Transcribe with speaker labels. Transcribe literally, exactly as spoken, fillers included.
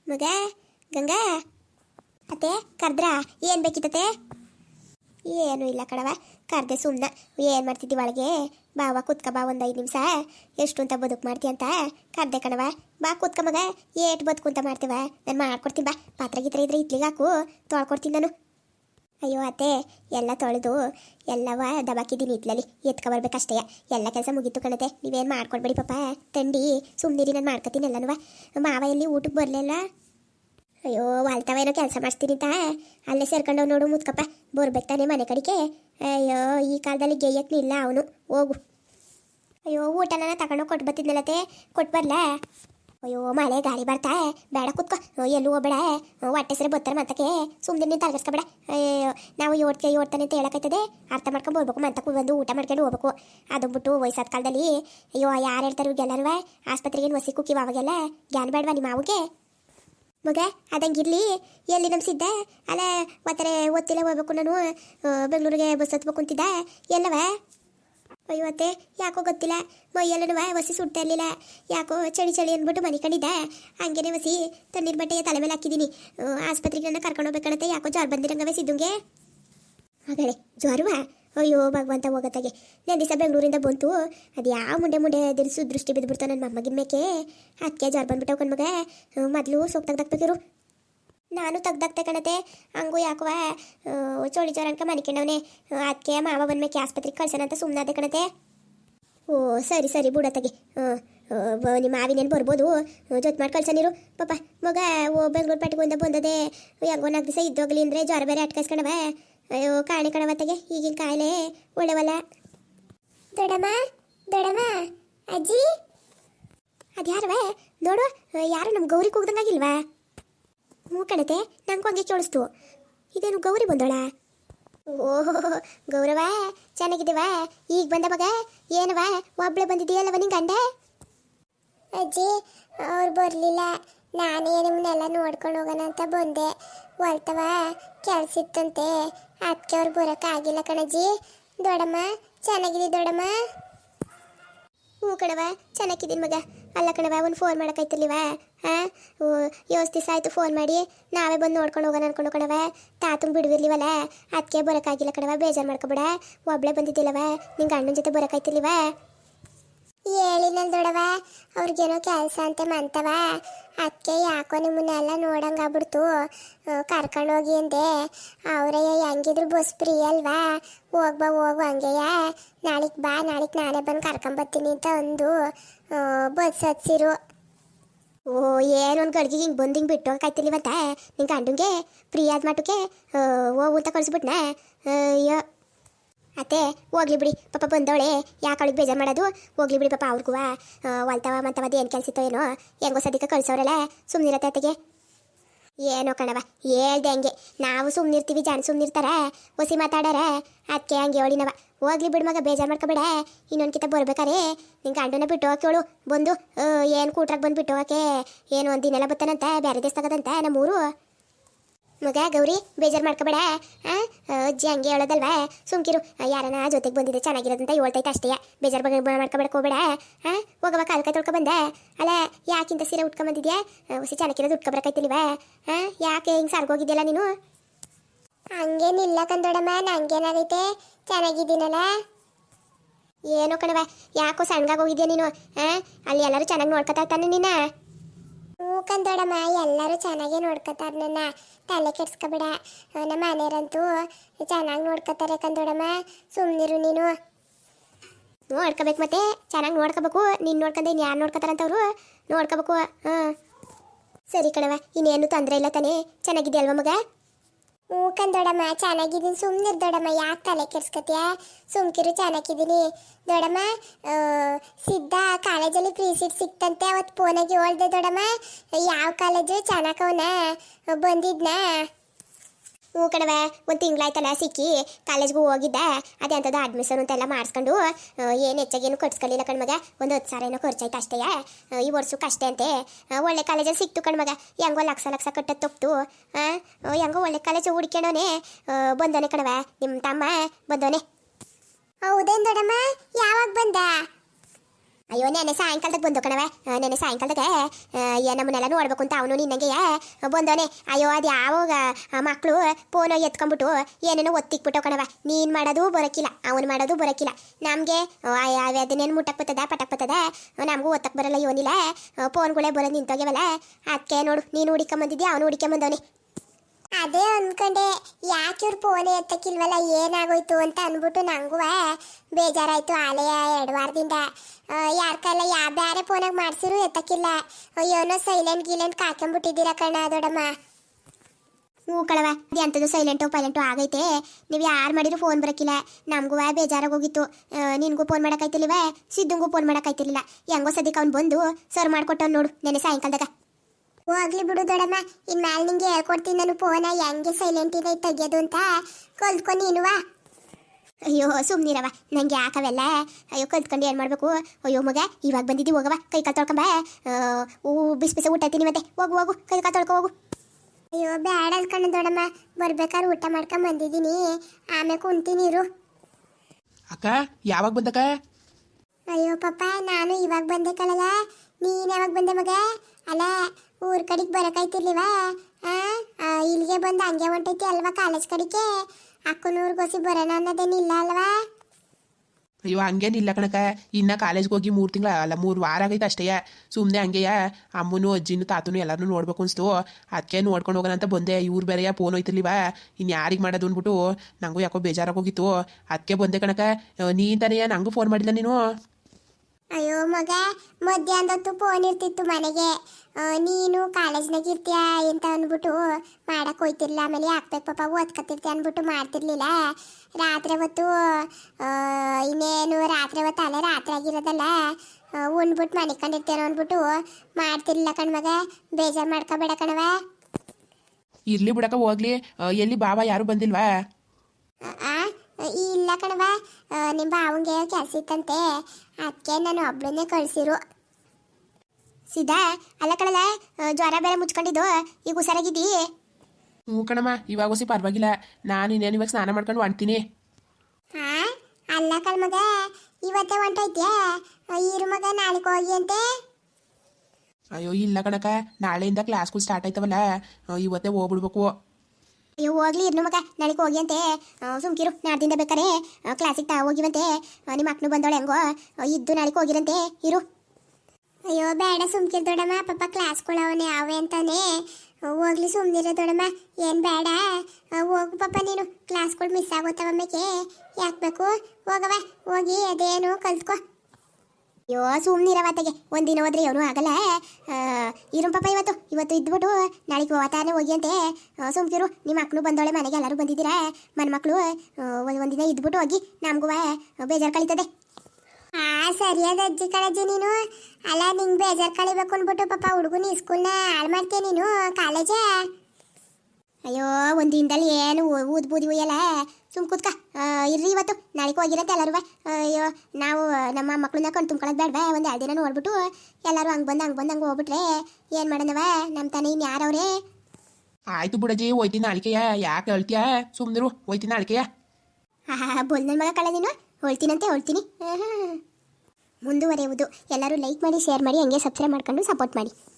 Speaker 1: ಮಗ ಗಂಗಾ ಅತ್ತೆ ಕರ್ದ್ರಾ ಏನು ಬೇಕಿತ್ತತೆ? ಏನೂ ಇಲ್ಲ ಕಣವ, ಕರ್ದೆ ಸುಮ್ಮನೆ. ಏನು ಮಾಡ್ತಿದ್ದಿ ಒಳಗೆ? ಬಾವ ಕುತ್ಕ ಬಾ, ಒಂದು ಐದು ನಿಮಿಷ ಎಷ್ಟು ಅಂತ ಬದುಕು ಮಾಡ್ತೀಯ ಅಂತ ಕರ್ದೆ ಕಣವ. ಬಾ ಕುತ್ಕ ಮಗ, ಏಟು ಬದುಕು ಅಂತ ಮಾಡ್ತೀವ, ನಾನು ಮಾಡ್ಕೊಡ್ತೀನಿ ಬಾ. ಪಾತ್ರ ಗೀತ್ರ ಇದ್ರೆ ಇಡ್ಲಿಗೆ ಹಾಕು, ತೊಳ್ಕೊಡ್ತೀನಿ ನಾನು. ಅಯ್ಯೋ ಅತ್ತೆ, ಎಲ್ಲ ತೊಳೆದು ಎಲ್ಲವ ದಬಾಕಿದ್ದೀನಿ ಇಟ್ಲಲ್ಲಿ, ಎತ್ಕೊ ಬರ್ಬೇಕಷ್ಟೇ. ಎಲ್ಲ ಕೆಲಸ ಮುಗೀತು ಕಣತೆ, ನೀವೇನು ಮಾಡ್ಕೊಡ್ಬೇಡಿ ಪಾಪ, ತಂಡಿ ಸುಮ್ಮನಿರಿ, ನಾನು ಮಾಡ್ಕೊತೀನಿ ಎಲ್ಲನೂ. ಮಾವ ಎಲ್ಲಿ ಊಟಕ್ಕೆ ಬರಲಿಲ್ಲ? ಅಯ್ಯೋ ವಾಲ್ತಾವೇನೋ ಕೆಲಸ ಮಾಡಿಸ್ತೀನಿ ಅಂತ ಅಲ್ಲೇ ಸೇರ್ಕೊಂಡವ್ ನೋಡು ಮುತ್ಕಪ್ಪ, ಬರ್ಬೇಕು ತಾನೆ ಮನೆ ಕಡೆಗೆ. ಅಯ್ಯೋ ಈ ಕಾಲದಲ್ಲಿ ಗೆಯ್ಯಕ್ಕೆ ಇಲ್ಲ ಅವನು, ಹೋಗು. ಅಯ್ಯೋ ಊಟನ ತಗೊಂಡೋಗಿ ಕೊಟ್ಟು ಬರ್ತಿದ್ನಲ್ಲತ್ತೆ, ಕೊಟ್ಟು ಬರಲ? ಅಯ್ಯೋ ಮಳೆ ಗಾಳಿ ಬರ್ತಾ, ಬೇಡ ಕುತ್ಕೋ, ಎಲ್ಲೂ ಹೋಗ್ಬೇಡ, ಹೊಟ್ಟೆ ಸರಿ ಬರ್ತಾರೆ ಮತ್ತಕ್ಕೆ, ಸುಮ್ಮನೆ ನೀನು ತಲೆಗೆಸ್ಕೊಬೇಡ. ಅಯ್ಯೋ ನಾವು ಯೋಡ್ಕೆ ಯೋಡ್ತಾನೆ ಅಂತ ಹೇಳಕ್ಕಾಯ್ತದೆ, ಅರ್ಥ ಮಾಡ್ಕೊಂಡು ಹೋಗ್ಬೇಕು, ಮಂತಕ್ಕೆ ಬಂದು ಊಟ ಮಾಡ್ಕೊಂಡು ಹೋಗ್ಬೇಕು. ಅದು ಬಿಟ್ಟು ವಯಸ್ಸಾದ ಕಾಲದಲ್ಲಿ ಅಯ್ಯೋ ಯಾರು ಹೇಳ್ತಾರೆ ಇವ್ಗೆಲ್ಲರೂ ಆಸ್ಪತ್ರೆಗೆ ವಸಿ ಕುಕ್ಕಿವ, ಅವಾಗೆಲ್ಲ ಜ್ಞಾನ ಬೇಡವಾ ನಿಮ್ಮ ಮಾವಿಗೆ? ಮಗ ಅದಂಗಿರ್ಲಿ, ಎಲ್ಲಿ ನಮ್ಸಿದ್ದ ಅಲ್ಲ ಒತ್ತಾರೆ ಒತ್ತಿಲ್ಲ ಹೋಗ್ಬೇಕು ನಾನು, ಬೆಂಗಳೂರಿಗೆ ಬಸ್ ಹತ್ಬೇಕು ಅಂತಿದ್ದ, ಎಲ್ಲವ? ಅಯ್ಯೋ ಅತ್ತೆ ಯಾಕೋ ಗೊತ್ತಿಲ್ಲ, ಮೈಯಲ್ಲೂ ವಸಿ ಸುಡ್ತಾ ಇರಲಿಲ್ಲ, ಯಾಕೋ ಚಳಿ ಚಳಿ ಅಂದ್ಬಿಟ್ಟು ಮನೆ ಕಂಡಿದ್ದ, ಹಂಗೇನೆ ವಸಿ ತಣ್ಣೀರು ಬಟ್ಟೆ ತಲೆ ಮೇಲೆ ಹಾಕಿದ್ದೀನಿ. ಆಸ್ಪತ್ರೆಗೆ ನನ್ನ ಕರ್ಕೊಂಡು ಹೋಗ್ಬೇಕಣತ್ತೆ, ಯಾಕೋ ಜ್ವರ ಬಂದಿರಂಗವೇ ಸಿದ್ದುಂಗೆ. ಹಾಗಳೆ ಜ್ವರವಾ? ಅಯ್ಯೋ ಭಗವಂತ ಹೋಗತ್ತಾಗೆ, ನಾನು ದಿವಸ ಬೆಂಗಳೂರಿಂದ ಬಂತು, ಅದು ಯಾವ ಮುಂಡೆ ಮುಂಡೆ ದಿರಿಸು ದೃಷ್ಟಿ ಬಿದ್ದುಬಿಡ್ತು ನನ್ನ ಮೊಮ್ಮಗಿನ ಮೇಕೆ, ಅದಕ್ಕೆ ಜ್ವರ ಬಂದ್ಬಿಟ್ಟವು ಕಣ್ಮಗ. ಮೊದಲು ಸೋಪ್ ತೆಗ್ದಾಕ್ಬೇಕಿರು, ನಾನು ತೆಗ್ದಾಕ್ತೆ ಕಣತೆ, ಹಂಗೂ ಯಾಕವ ಚೋಳಿ ಜ್ವರ ಅನ್ಕ ಮನಿಕೊಂಡವನೆ, ಅದಕ್ಕೆ ಮಾವ ಬಂದ್ಮೇಕೆ ಆಸ್ಪತ್ರೆಗೆ ಕಳ್ಸೋಣ ಅಂತ ಸುಮ್ಮನಾದೆ ಕಣತೆ. ಓ ಸರಿ ಸರಿ ಬುಡತ್ತಾಗೆ, ನಿಮ್ಮ ಮಾವಿನೇನು ಬರ್ಬೋದು, ಜೊತೆ ಮಾಡಿ ಕಳ್ಸನಿರು ಪಾಪ. ಮಗ ಓ ಬೆಂಗಳೂರು ಪೆಟ್ಟಿಗೆಯಿಂದ ಬಂದದೆ, ಹೆಂಗೋ ನಾಲ್ಕು ದಿವಸ ಇದ್ದೋಗ್ಲಿ ಅಂದರೆ ಜ್ವರ ಬೇರೆ ಅಟ್ಕಾಯಿಸ್ಕಣವ. ಅಯ್ಯೋ ಕಾಣೆ ಕಣವತ್ತಾಗೆ, ಈಗಿನ ಕಾಯಿಲೆ ಒಳ್ಳೆವಲ್ಲ. ದೊಡಮ್ಮ ದೊಡಮ್ಮ ಅಜ್ಜಿ, ಅದ್ಯಾರವ ನೋಡು, ಯಾರು ನಮ್ಮ ಗೌರಿ ಕೂಗ್ದಂಗಾಗಿಲ್ವಾ? ಹ್ಞೂ ಕಣತೆ, ನಂಗೆ ಹಂಗೆ ಕೇಳಿಸ್ತು, ಇದೇನು ಗೌರಿ ಬಂದೋಳ? ಓಹೋ ಗೌರವ ಚೆನ್ನಾಗಿದ್ದೀವ, ಈಗ ಬಂದ ಮಗ, ಏನವ ಒಬ್ಳೆ ಬಂದಿದ್ದೀಯಲ್ಲವ ನಿಂಗೆ ಗಂಡ?
Speaker 2: ಅಜ್ಜಿ ಅವ್ರು ಬರಲಿಲ್ಲ, ನಾನೇ ನಿಮ್ಮನ್ನೆಲ್ಲ ನೋಡ್ಕೊಂಡು ಹೋಗೋಣ ಅಂತ ಬಂದೆ, ಹೊಲ್ತವ ಕೆಲಸ ಇತ್ತಂತೆ, ಅದಕ್ಕೆ ಅವ್ರು ಬರೋಕ್ಕಾಗಿಲ್ಲ ಕಣಜ್ಜಿ. ದೊಡಮ್ಮ ಚೆನ್ನಾಗಿದ್ದೀವಿ ದೊಡಮ್ಮ?
Speaker 1: ಹ್ಞೂ ಕಣವ ಚೆನ್ನಾಗಿದ್ದೀನಿ ಮಗ. ಅಲ್ಲ ಕಣವ, ಒಂದು ಫೋನ್ ಮಾಡೋಕ್ಕಾಯ್ತಿರ್ಲಿವ? ಹಾಂ ಯೋಸ್ ದಿವಸ ಆಯಿತು ಫೋನ್ ಮಾಡಿ, ನಾವೇ ಬಂದು ನೋಡ್ಕೊಂಡು ಹೋಗೋಣ ಅನ್ಕೊಂಡು ಕಣವ, ತಾತಂಗೆ ಬಿಡುವಿರ್ಲಿವಲ್ಲ, ಅದಕ್ಕೆ ಬರೋಕ್ಕಾಗಿಲ್ಲ ಕಣವ, ಬೇಜಾರು ಮಾಡ್ಕೊಬೇಡ. ಒಬ್ಳೆ ಬಂದಿದ್ದಿಲ್ಲವ, ನಿಂಗೆ ಅಣ್ಣನ ಜೊತೆ ಬರೋಕ್ಕಾಯ್ತಿರ್ಲಿವ?
Speaker 2: ಹೇಳಿಲ್ಲ ದೊಡವ, ಅವ್ರಿಗೇನೋ ಕೆಲಸ ಅಂತೆ ಮಂತವ, ಅದಕ್ಕೆ ಯಾಕೋ ನಿಮ್ಮನ್ನೆಲ್ಲ ನೋಡಂಗೆ ಆಗ್ಬಿಡ್ತು, ಕರ್ಕೊಂಡು ಹೋಗಿ ಅಂದೆ. ಅವರೇ ಹೆಂಗಿದ್ರು ಬಸ್ ಫ್ರೀ ಅಲ್ವಾ, ಹೋಗ್ಬಾ ಹೋಗು ಹಂಗೆಯ, ನಾಳೆಗೆ ಬಾ, ನಾಳೆಗೆ ನಾನೇ ಬಂದು ಕರ್ಕೊಂಬರ್ತೀನಿ ಅಂತ ಅಂದು ಬಸ್ ಹತ್ಸಿರು.
Speaker 1: ಓ ಏನೊಂದು ಗಡ್ಗಿಗೆ ಹಿಂಗೆ ಬಂದು ಹಿಂಗೆ ಬಿಟ್ಟು ಹೋಗಕ್ಕಾಯ್ತಿರ್ಲಿವಂತ ನಿಂಗೆ ಗಂಡಂಗೆ? ಫ್ರೀ ಆದ ಮಟ್ಟಕ್ಕೆ ಹೋಗು ಅಂತ ಕಳಿಸ್ಬಿಟ್ನ? ಅಯ್ಯೋ ಅತ್ತೆ ಹೋಗ್ಲಿ ಬಿಡಿ ಪಾಪ, ಬಂದವಳೆ ಯಾಕೆ ಅವಳಿಗೆ ಬೇಜಾರು ಮಾಡೋದು, ಹೋಗ್ಲಿ ಬಿಡಿ ಪಾಪ. ಅವ್ರಿಗೂ ಹೊಲ್ತವ ಮಂತವದು ಏನು ಕೆಲಸಿತ್ತೋ ಏನೋ, ಹೆಂಗೋ ಸದ್ಯಕ್ಕೆ ಕಳ್ಸೋರಲ್ಲ, ಸುಮ್ಮನಿರತ್ತೆ ಅತ್ತೆಗೆ. ಏನೋ ಕಣವ ಹೇಳ್ದೆ ಹಂಗೆ, ನಾವು ಸುಮ್ಮನಿರ್ತೀವಿ, ಜನ ಸುಮ್ಮನಿರ್ತಾರ, ಹೊಸಿ ಮಾತಾಡಾರ, ಅದಕ್ಕೆ ಹಂಗೆ ಹೇಳಿನವ. ಹೋಗ್ಲಿ ಬಿಡು ಮಗ, ಬೇಜಾರು ಮಾಡ್ಕೊಬೇಡ. ಇನ್ನೊಂದು ಕಿತ ಬರ್ಬೇಕಾರೆ ನಿಂಗೆ ಗಂಡನ ಬಿಟ್ಟು ಹೋಗೋಳು ಬಂದು, ಏನು ಕೂಟ್ರಾಗ ಬಂದು ಬಿಟ್ಟು ಹೋಗೋಕೆ ಏನು ಒಂದು ದಿನೆಲ್ಲ ಬರ್ತಾನಂತ, ಬೇರೆ ದೇಶದಾಗದಂತ ನಮ್ಮೂರು. ಮಗ ಗೌರಿ ಬೇಜಾರು ಮಾಡ್ಕೊಬೇಡ, ಹಾಂ ಅಜ್ಜಿ ಹಂಗೆ ಹೇಳೋದಲ್ವಾ, ಸುಮ್ಕಿರು. ಯಾರನ ಜೊತೆಗೆ ಬಂದಿದೆ ಚೆನ್ನಾಗಿರೋದಂತ ಹೇಳ್ತೈತೆ ಅಷ್ಟೇ, ಬೇಜಾರು ಬಗ್ಗೆ ಮಾಡ್ಕೊಬೇಡಕ್ಕೆ ಹೋಗ್ಬೇಡ. ಹಾಂ ಹೋಗವ ಕಾಲು ಕೈ ತೊಳ್ಕೊ ಬಂದ, ಅಲ್ಲ ಯಾಕಿಂತ ಸೀರೆ ಉಟ್ಕೊಂಬಂದಿದ್ಯಾ, ಹೊಸ ಚೆನ್ನಾಗಿರೋದು ಉಟ್ಕೊಬರಕೈತಿಲ್ವಾ? ಹಾಂ ಯಾಕೆ ಹಿಂಗೆ ಸರ್ಗೋಗಿದ್ಯಲ್ಲ ನೀನು?
Speaker 2: ಹಂಗೇನಿಲ್ಲ ಕಂದೊಡಮ್ಮ, ನಂಗೇನಾಗೈತೆ, ಚೆನ್ನಾಗಿದ್ದೀನಲ್ಲ.
Speaker 1: ಏನೋ ಕಣವ ಯಾಕೋ ಸಣ್ಣಗಾಗಿ ಹೋಗಿದ್ಯಾ ನೀನು? ಹಾಂ ಅಲ್ಲಿ ಎಲ್ಲರೂ ಚೆನ್ನಾಗಿ ನೋಡ್ಕೊತಾ ಇರ್ತಾನೆ ನೀನು?
Speaker 2: ಹ್ಞೂ ಕಂದೊಡಮ್ಮ, ಎಲ್ಲರೂ ಚೆನ್ನಾಗೇ ನೋಡ್ಕೊತಾರೆ ನನ್ನ, ತಲೆ ಕೆಡ್ಸ್ಕೊಬೇಡ. ನಮ್ಮ ಮನೆಯವರಂತೂ ಚೆನ್ನಾಗಿ ನೋಡ್ಕೊತಾರೆ ಕಂದೊಡಮ್ಮ, ಸುಮ್ಮನಿರು ನೀನು.
Speaker 1: ನೋಡ್ಕೋಬೇಕು ಮತ್ತೆ, ಚೆನ್ನಾಗಿ ನೋಡ್ಕೋಬೇಕು. ನೀನು ನೋಡ್ಕೊಂಡೆ ಇನ್ನು ಯಾರು ನೋಡ್ಕೊತಾರಂತವ್ರು ನೋಡ್ಕೋಬೇಕು. ಹಾಂ ಸರಿ ಕಣವ, ಇನ್ನೇನು ತೊಂದರೆ ಇಲ್ಲ ತಾನೇ, ಚೆನ್ನಾಗಿದೆಯಲ್ವ ಮಗ?
Speaker 2: ಹ್ಞೂ ಕಂದೊಡಮ್ಮ ಚೆನ್ನಾಗಿದ್ದೀನಿ, ಸುಮ್ಮನಿರು ದೊಡಮ್ಮ, ಯಾಕೆ ತಲೆ ಕೆಡ್ಸ್ಕೊತೀಯ, ಸುಮ್ಕಿರು ಚೆನ್ನಾಗಿದ್ದೀನಿ. ದೊಡಮ್ಮ ಸಿದ್ಧ ಕಾಲೇಜಲ್ಲಿ ಫ್ರೀ ಸೀಟ್ ಸಿಕ್ತಂತೆ, ಅವತ್ತು ಫೋನಾಗಿ ಹೇಳ್ದೆ ದೊಡಮ್ಮ, ಯಾವ ಕಾಲೇಜು ಚೆನ್ನಾಗವನ ಬಂದಿದ್ನಾ?
Speaker 1: ಹ್ಞೂ ಕಣವ, ಒಂದು ತಿಂಗಳಾಯ್ತಲ್ಲ ಸಿಕ್ಕಿ, ಕಾಲೇಜ್ಗೂ ಹೋಗಿದ್ದ, ಅದೇ ಅಂಥದ್ದು ಅಡ್ಮಿಷನ್ ಅಂತೆಲ್ಲ ಮಾಡಿಸ್ಕೊಂಡು ಏನು ಹೆಚ್ಚಾಗೇನು ಕಟ್ಸ್ಕೊಳ್ಳಿಲ್ಲ ಕಣ್ಮಗ, ಒಂದು ಹತ್ತು ಸಾವಿರ ಏನೋ ಖರ್ಚಾಯ್ತು ಅಷ್ಟೇ. ಈ ವರ್ಷಕ್ಕೆ ಅಷ್ಟೇ ಅಂತೆ. ಒಳ್ಳೆ ಕಾಲೇಜಲ್ಲಿ ಸಿಕ್ತು ಕಣ್ಮಗ, ಹೆಂಗೋ ಲಕ್ಷ ಲಕ್ಷ ಕಟ್ಟೋದು ತಪ್ಪಿತು. ಹಾಂ ಹೆಂಗೋ ಒಳ್ಳೆ ಕಾಲೇಜು ಹುಡ್ಕೊಂಡವನೇ ಬಂದವನೇ ಕಣವ, ನಿಮ್ಮ ತಮ್ಮ ಬಂದವನೇ.
Speaker 2: ಹೌದೇನು ದೊಡಮ್ಮ, ಯಾವಾಗ ಬಂದ?
Speaker 1: ಅಯ್ಯೋ ನೆನೆ ಸಾಯಂಕಾಲದಾಗ ಬಂದು ಕಣವ ನೆನೆ ಸಾಯಂಕಾಲದಾಗ ನಮ್ಮನ್ನೆಲ್ಲ ನೋಡ್ಬೇಕು ಅಂತ ಅವನು ನಿನ್ನಂಗೆ ಬಂದವನೆ. ಅಯ್ಯೋ ಅದು ಯಾವಾಗ ಮಕ್ಕಳು ಫೋನ್ ಎತ್ಕೊಂಡ್ಬಿಟ್ಟು ಏನೇನೋ ಒತ್ತಿಕ್ಬಿಟ್ಟು ಕಣವ. ನೀನು ಮಾಡೋದು ಬರೋಕ್ಕಿಲ್ಲ, ಅವನು ಮಾಡೋದು ಬರೋಕ್ಕಿಲ್ಲ. ನಮಗೆ ಅದನ್ನೇನು ಮುಟ್ಟಕ್ಕೆ ಬರ್ತದ ಪಟಕ್ ಬರ್ತದ, ನಮಗೂ ಒತ್ತಕ್ಕೆ ಬರಲ್ಲ ಇವನಿಲ್ಲ. ಫೋನ್ಗಳೇ ಬರೋದು ನಿಂತೋಗ್ಯವಲ್ಲ, ಅದಕ್ಕೆ ನೋಡು ನೀನು ಹುಡಿಕೊಂಬಂದಿದ್ಯಾ ಅವನು ಹುಡಿಕೊಂಬಂದವನೆ.
Speaker 2: ಅದೇ ಅಂದ್ಕೊಂಡೆ ಯಾಕೆ ಇವ್ರು ಫೋನ್ ಎತ್ತಕ್ಕಿಲ್ವಲ್ಲ, ಏನಾಗೋಯ್ತು ಅಂತ ಅಂದ್ಬಿಟ್ಟು ನಂಗೂ ಬೇಜಾರಾಯ್ತು. ಆಲೆಯ ಎರಡು ವಾರದಿಂದ ಯಾರ ಕೈಲ ಯಾ ಬೇರೆ ಫೋನಾಗ ಮಾಡ್ಸಿರು ಎತ್ತಕ್ಕಿಲ್ಲ. ಅಯ್ಯೋನೋ ಸೈಲೆಂಟ್ ಗೀಲೆಂಟ್ ಕಾಕೊಂಬಿಟ್ಟಿದ್ದೀರ ಕಣ ದೊಡ್ಡಮ್ಮ.
Speaker 1: ಹ್ಞೂ ಕಳವ, ಅದು ಅಂಥದ್ದು ಸೈಲೆಂಟು ಪೈಲೆಂಟು ಆಗೈತೆ. ನೀವು ಯಾರು ಮಾಡಿದ್ರು ಫೋನ್ ಬರೋಕ್ಕಿಲ್ಲ. ನಮಗೂ ಬೇಜಾರಾಗೋಗಿತ್ತು. ನಿನಗೂ ಫೋನ್ ಮಾಡೋಕ್ಕಾಯ್ತಿರ್ಲಿವ, ಸಿದ್ದಂಗೂ ಫೋನ್ ಮಾಡೋಕ್ಕಾಯ್ತಿರ್ಲಿಲ್ಲ. ಹೆಂಗೋ ಸದ್ಯಕ್ಕೆ ಅವ್ನು ಬಂದು ಸರ್ ಮಾಡ್ಕೊಟ್ಟವ್ನು ನೋಡು ನೆನೆ ಸಾಯಂಕಾಲದಾಗ.
Speaker 2: ಹೋಗ್ಲಿ ಬಿಡು ದೊಡ್ಡಮ್ಮ, ಇನ್ಮೇಲೆ ನಿಂಗೆ ಹೇಳ್ಕೊಡ್ತೀನಿ ನಾನು ಫೋನ ಹೆಂಗೆ ಸೈಲೆಂಟ್ ಇದೆ ತೆಗಿಯೋದು ಅಂತ ಕಲ್ತ್ಕೊಂಡು ನೀನುವಾ.
Speaker 1: ಅಯ್ಯೋ ಸುಮ್ಮನಿರವ, ನಂಗೆ ಯಾಕವೆಲ್ಲ. ಅಯ್ಯೋ ಕಲ್ತ್ಕೊಂಡು ಏನು ಮಾಡಬೇಕು. ಅಯ್ಯೋ ಮಗ ಇವಾಗ ಬಂದಿದ್ದೀವಿ, ಹೋಗವ ಕೈ ಕಾಲು ತೊಳ್ಕೊಂಬ. ಹೂ ಬಿಸಿ ಬಿಸಿ ಊಟ ಐತೀನಿ ಮತ್ತೆ, ಹೋಗು ಹೋಗು ಕೈ ಕಾಲು ತೊಳ್ಕೊ ಹೋಗು.
Speaker 2: ಅಯ್ಯೋ ಬೇಡ ಅನ್ಕಣ್ಣ ದೊಡ್ಡಮ್ಮ, ಬರ್ಬೇಕಾದ್ರೆ ಊಟ ಮಾಡ್ಕೊಂಡ್ ಬಂದಿದ್ದೀನಿ, ಆಮೇಲೆ ಕುಂತೀನಿ ಇರು.
Speaker 3: ಅಕ್ಕ ಯಾವಾಗ ಬಂದಕ್ಕ?
Speaker 2: ಅಯ್ಯೋ ಪಾಪ ನಾನು ಇವಾಗ ಬಂದೆ ಕಳಲ, ನೀನು ಯಾವಾಗ ಬಂದೆ ಮಗ? ಅಲ್ಲ ಊರ್ ಕಡೆಗೆ ಬರೋಕಾಯ್ತಿರ್ಲಿವ? ಆ ಇಲ್ಲಿಗೆ ಬಂದು ಹಂಗೆ ಹೊಂಟೈತಿ ಅಲ್ವಾ ಕಾಲೇಜ್ ಕಡೆಗೆ? ಅಕ್ಕನೂರ್ಗೋಸಿ ಬರೋಣ ಅನ್ನೋದೇನಿಲ್ಲ ಅಲ್ವಾ?
Speaker 3: ಅಯ್ಯೋ ಹಂಗೇನಿಲ್ಲ ಕಣಕ್ಕ, ಇನ್ನ ಕಾಲೇಜ್ಗೆ ಹೋಗಿ ಮೂರು ತಿಂಗಳ ಅಲ್ಲ ಮೂರು ವಾರ ಆಗೈತೆ ಅಷ್ಟೇ. ಸುಮ್ಮನೆ ಹಂಗೆಯ ಅಮ್ಮನು ಅಜ್ಜಿನೂ ತಾತನು ಎಲ್ಲರೂ ನೋಡ್ಬೇಕು ಅನಿಸ್ತು, ಅದಕ್ಕೆ ನೋಡ್ಕೊಂಡು ಹೋಗೋಣ ಅಂತ ಬಂದೆ. ಇವ್ರು ಬೇರೆಯ ಫೋನ್ ಹೋಯ್ತಿರ್ಲಿವ, ಇನ್ನು ಯಾರಿಗೆ ಮಾಡೋದು ಅಂದ್ಬಿಟ್ಟು ನನಗೂ ಯಾಕೋ ಬೇಜಾರಾಗೋಗಿತ್ತು, ಅದಕ್ಕೆ ಬಂದೆ ಕಣಕ್ಕ. ನೀನು ತಾನೇ ನನಗೂ ಫೋನ್ ಮಾಡಿಲ್ಲ ನೀನು?
Speaker 2: ಅಯ್ಯೋ ಮಗ ಮಧ್ಯಾಹ್ನದೊತ್ತು ಫೋನ್ ಇರ್ತಿತ್ತು ಮನೆಗೆ, ನೀನು ಕಾಲೇಜ್ನಾಗ ಇರ್ತೀಯ ಅಂತ ಅಂದ್ಬಿಟ್ಟು ಮಾಡಕ್ಕೆ ಹೋಯ್ತಿರ್ಲಿಲ್ಲ. ಆಮೇಲೆ ಹಾಕ್ಬೇಕು ಪಾಪ ಓದ್ಕೊತಿರ್ತೀಯ ಅಂದ್ಬಿಟ್ಟು ಮಾಡ್ತಿರ್ಲಿಲ್ಲ. ರಾತ್ರಿ ಹೊತ್ತು ಇನ್ನೇನು ರಾತ್ರಿ ಹೊತ್ತು ಅಲ್ಲೇ ರಾತ್ರಿ ಆಗಿರೋದಲ್ಲ, ಉಣ್ಬಿಟ್ಟು ಮನೆ ಕಂಡಿರ್ತೇನೋ ಅಂದ್ಬಿಟ್ಟು ಮಾಡ್ತಿರ್ಲಿಲ್ಲ ಕಣ್ಮಗ, ಬೇಜಾರು ಮಾಡ್ಕೊಬೇಡ ಕಣವ.
Speaker 3: ಇರ್ಲಿ ಬಿಡಕ್ಕ ಹೋಗ್ಲಿ. ಎಲ್ಲಿ ಬಾಬಾ ಯಾರು ಬಂದಿಲ್ವಾ?
Speaker 2: ಆ ಇಲ್ಲ ಕಣವ, ನಿಮ್ಮ ಬಾವಂಗೆ ಕೆಲಸ ಇತ್ತಂತೆ, ಅದಕ್ಕೆ ನಾನು ಒಬ್ಳನ್ನೇ ಕಳಿಸಿರು.
Speaker 1: ಸಿದ್ಧಾ ಅಲ್ಲ ಕಳಲ, ಜ್ವರ ಬೇರೆ ಮುಚ್ಕೊಂಡಿದ್ದು, ಈಗ ಹುಷಾರಾಗಿದ್ದೀ?
Speaker 3: ಹ್ಞೂ ಕಣಮ್ಮ, ಇವಾಗ ಹೊಸಿ ಪರವಾಗಿಲ್ಲ. ನಾನು ಇನ್ನೇನು ಇವಾಗ ಸ್ನಾನ ಮಾಡ್ಕೊಂಡು ಹೊಂಟ್ತೀನಿ.
Speaker 2: ಹಾ ಅಲ್ಲ ಕಣ್ಮಗ, ಇವತ್ತೇ ಹೊಂಟೈತ್ಯಾ? ಇರು ಮಗ ನಾಳೆಗೆ ಹೋಗಿ ಅಂತೆ.
Speaker 3: ಅಯ್ಯೋ ಇಲ್ಲ ಕಣಕ್ಕ, ನಾಳೆಯಿಂದ ಕ್ಲಾಸ್ಗಳು ಸ್ಟಾರ್ಟ್ ಆಯ್ತವಲ್ಲ, ಇವತ್ತೇ ಹೋಗ್ಬಿಡ್ಬೇಕು.
Speaker 1: ಅಯ್ಯೋ ಹೋಗ್ಲಿ ಇರ್ನು ಮಗ, ನಾಳೆಗೆ ಹೋಗಿ ಅಂತೆ. ಸುಮ್ಕಿರು, ನಾಡ್ದಿಂದ ಬೇಕಾರೆ ಕ್ಲಾಸಿಗೆ ತಾ ಹೋಗಿವಂತೆ. ನಿಮ್ಮ ಅಕ್ಕನು ಬಂದವಳೆ ಹೆಂಗೋ ಇದ್ದು ನಾಳೆಗೆ ಹೋಗಿರಂತೆ, ಇರು.
Speaker 2: ಅಯ್ಯೋ ಬೇಡ ಸುಮ್ಕಿರ್ ದೊಡ್ಡಮ್ಮ, ಪಾಪ ಕ್ಲಾಸ್ಗಳವನೇ ಯಾವೆ ಅಂತಾನೆ. ಹೋಗ್ಲಿ ಸುಮ್ಮನಿರೋ ದೊಡ್ಡಮ್ಮ, ಏನು ಬೇಡ. ಹೋಗು ಪಾಪ ನೀನು, ಕ್ಲಾಸ್ಗಳು ಮಿಸ್ ಆಗೋತವ ಮೇಕೆ ಯಾಕೆ ಬೇಕು? ಹೋಗವ ಹೋಗಿ ಅದೇನು ಕಲ್ತ್ಕೊ.
Speaker 1: ಅಯ್ಯೋ ಸುಮ್ಮನಿರವತ್ತೆಗೆ ಒಂದಿನ ಹೋದ್ರೆ ಅವನು ಆಗಲ್ಲ. ಇರು ಪಾಪ ಇವತ್ತು ಇವತ್ತು ಇದ್ಬಿಟ್ಟು ನಾಳೆಗೆ ಹೋಗ್ತಾನೆ ಹೋಗಿ ಅಂತೆ. ಸುಮ್ಕಿರು, ನಿಮ್ಮ ಮಕ್ಕಳು ಬಂದವಳೆ ಮನೆಗೆ ಎಲ್ಲರೂ ಬಂದಿದ್ದೀರಾ, ಮನ ಮಕ್ಕಳು ಒಂದಿನ ಇದ್ಬಿಟ್ಟು ಹೋಗಿ, ನಮಗೂ ಬೇಜಾರು ಕಳೀತದೆ.
Speaker 2: ಹಾ ಸರಿಯಾದ ಅಜ್ಜಿ ಕಣಜ್ಜಿ ನೀನು. ಅಲ್ಲ ನಿಂಗೆ ಬೇಜಾರು ಕಳಿಬೇಕು ಅಂದ್ಬಿಟ್ಟು ಪಾಪ ಹುಡುಗನ ಸ್ಕೂಲ್ನ ಹಾಳು ಮಾಡ್ತೀಯ ನೀನು ಕಾಲೇಜ.
Speaker 1: ಅಯ್ಯೋ ಒಂದು ದಿನದಲ್ಲಿ ಏನು ಊದ್ ಬೂದಿ ಉಯ್ಯಲ್ಲ, ಸುಮ್ ಕೂತ್ಕ. ಇರ್ರಿ ಇವತ್ತು ನಾಳೆಗೆ ಹೋಗಿರತ್ತೆ ಎಲ್ಲರೂ. ಅಯ್ಯೋ ನಾವು ನಮ್ಮ ಮಕ್ಕಳನ್ನ ಕಣ್ ತುಂಬ್ಕೊಳ್ಳೋದು ಬೇಡವಾ? ಒಂದು ಎರಡು ದಿನ ನೋಡ್ಬಿಟ್ಟು ಎಲ್ಲರೂ ಹಂಗೆ ಬಂದು ಹಂಗೆ ಬಂದು ಹಂಗೆ ಹೋಗ್ಬಿಟ್ರೆ ಏನು ಮಾಡೋಣವ? ನಮ್ಮ ತಾನೇ ಇನ್ನು ಯಾರವ್ರೆ?
Speaker 3: ಆಯ್ತು ಬಿಡಜ್ಜಿ, ಹೋಯ್ತೀನಿ ನಾಳಿಕೆಯ, ಯಾಕೆ ಹೇಳ್ತೀಯ? ಸುಮ್ಮನಿರು, ಹೋಯ್ತೀನಿ ನಾಳಿಕೆಯ.
Speaker 1: ಹಾ ಹಾ ಬೋಲ್ ನನ್ನ ಮಗ ಕಳ್ಳ ನೀನು, ಹೊಳ್ತೀನಂತೆ ಹೊಳ್ತೀನಿ. ಮುಂದುವರೆಯುವುದು. ಎಲ್ಲರೂ ಲೈಕ್ ಮಾಡಿ, ಶೇರ್ ಮಾಡಿ, ಹಂಗೆ ಸಬ್ಸ್ಕ್ರೈಬ್ ಮಾಡ್ಕೊಂಡು ಸಪೋರ್ಟ್ ಮಾಡಿ.